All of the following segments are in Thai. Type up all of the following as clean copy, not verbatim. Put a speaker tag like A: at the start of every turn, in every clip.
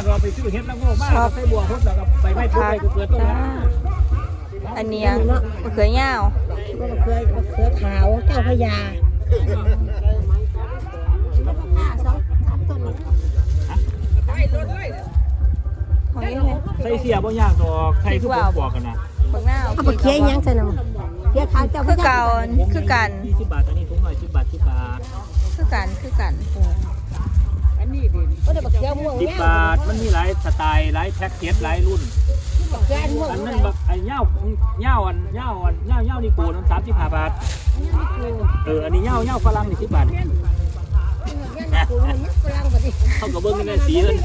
A: ก็ไปซื้อเห็ดละโง่มากใส่บัวพดแล้วก็ไปไม่ทุกไปเกิดต้น
B: อันนี้มะเขือยาว
C: มะเขือขาวเจ้าพญา
B: ของนี่
A: ใส่เสียบ่ยากดอกใส่ทุกคนบอกกันนะ
B: บักหน้า
C: เอาไปเคี่ยวยังใส่น้ำเคี่ยวขาวเจ้าพ
B: คือ
C: ญา
B: เก่าคือกัน
A: 20 บาทอันนี้ถุงหน่อย10 บาท10 บาท
B: คือกัน
C: ก็ได้บักเคี่ยวม่วง
A: 10 บาทมันมีหลายสไตล์หลายแพ็คเกจหลายรุ่น
C: บักเคี่ยวม่วง
A: อันนั้นแบบไอ้เง่านี่ปูน้ำ35 บาทอันนี้เง่าฝรั่งนี่10 บาทเขาก็เบิ่งในสีเลย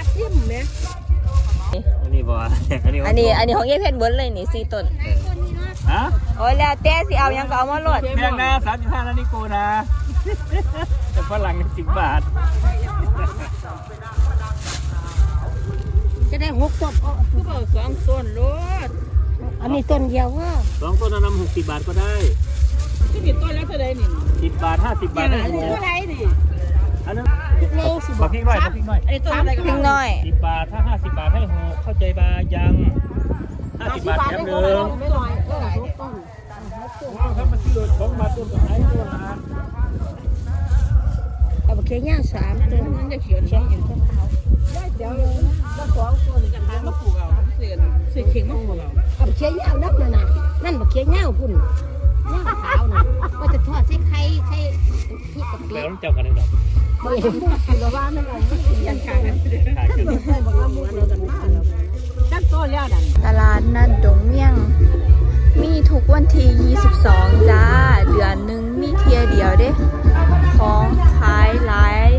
A: อันนี้บ่
B: อันนี้ของยายเพชรเบิดเลยนี่4ต้น
A: ฮะ
B: โอ้ยแล้วแต่สิเอายังก็เอามาโหลด
A: แพงนะ35นะนี่โกนะแต่ฝรั่ง10 บาท
C: จะได้6ต้น
D: คือบอก2ต้นโลด
C: อันนี้ต้นเดียวว่า
A: 2 ต้นนำ60 บาทก็ได้
D: คือมีต้นแล้วเท่าใดนี่
A: 10 บาท50 บาทได้หมด
D: เท่าใดนี่
A: อันนั้นบักพริกน้อยบักพริกน้อย
D: ไอ้ต้นอะไรกัน
B: พิงน้อย
A: 10 บาทถ้า50 บาทให้6เข้าใจบายัง50 บาทแถมหนึ่ง
C: ไม่น้อยก็ได้6ต้น
A: ว้าวครับมันซื้อ2 บาทต้นกับไหนต้นละ
C: เอาบักเคี่ยวย่าง3ต้น
D: มันจะเขียวเขียวอยู่เดี๋ยวก็2ต้นจะหามาปลูกเอาเสียเข่งมาปลูกเอา
C: เอาบักเคี่ยวย่างนับนั่นน่ะนั่นบักเคี่ยวย่างพุ่นย่างขาวน่ะว่าจะทอดใส่ไข่พริกกับเกลื
A: แล้
C: อ
A: วเจ้ากันได้ดอก
C: บ่เห็นคือว่ามันอะไรยันขาด
A: ขายกัน
C: ใส่บักละมุนกันมา
D: ตั้งต้นแล้วนั่น
B: ตลาดนัดดงเมี่ยง มีทุกวันที่22จ้าเดือนหนึงมีเที่ยเดียวเด้ของขายหลาย